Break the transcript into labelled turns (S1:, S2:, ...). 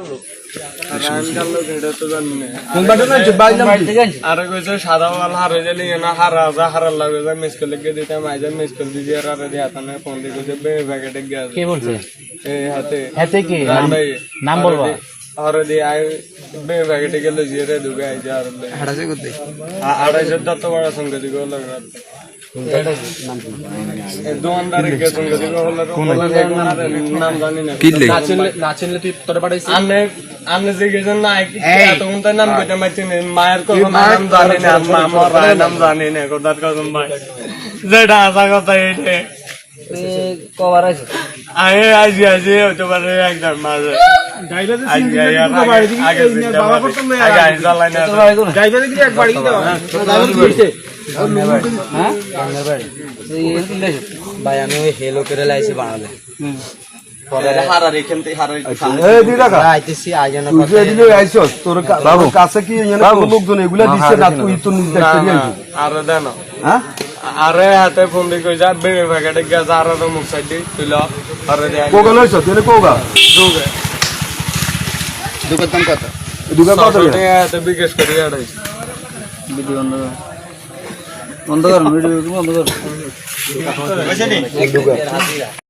S1: আরে কইছে সাদা ওয়াল হারে জানি না হারা যা হারার লাগে যা মিস করলে গে দিতে মাইজা মিস করে দিজি আর আরে দিয়া তানে ফোন দি কইছে বে প্যাকেটে গিয়া
S2: কে বলছে
S1: এই হাতে
S2: হাতে কি নাম বলবা
S1: আরে দি আই বে প্যাকেটে গেল জিরে দুগে আই যা আর হাড়াছে করতে আড়াইশো যত বড় সঙ্গে দিগো লাগা দোকানদার কে সঙ্গে দিগো হলো নাম জানি না না চিনলে তুই তোরে পাঠাইছিস আনে যে গেছেন না তখন তার নাম কইতে মাইছি মায়ের কোন নাম জানি না আমার নাম জানি না কোদার কসম ভাই যেটা আসা কথা এইটে
S2: কবার আছে
S1: আয়ে আজি আজি হতে পারে একদম মাঝে গাইবা যে আগে বাবা করতে না আগে জ্বালাই না গাইবা যে এক বাড়ি দাও
S2: হ্যাঁ ভাই আমি ওই হেলো করে লাইছি বানালে
S1: আরে হাতে ফোন দিয়ে কই যা বেড়ে প্যাকেটে গিয়া যা আর মুখ সাইড দিয়ে তুইল আরে
S2: দুকান কত
S1: বিকাশ করি
S2: ভিডিও বন্ধ কর ভিডিও বন্ধ কর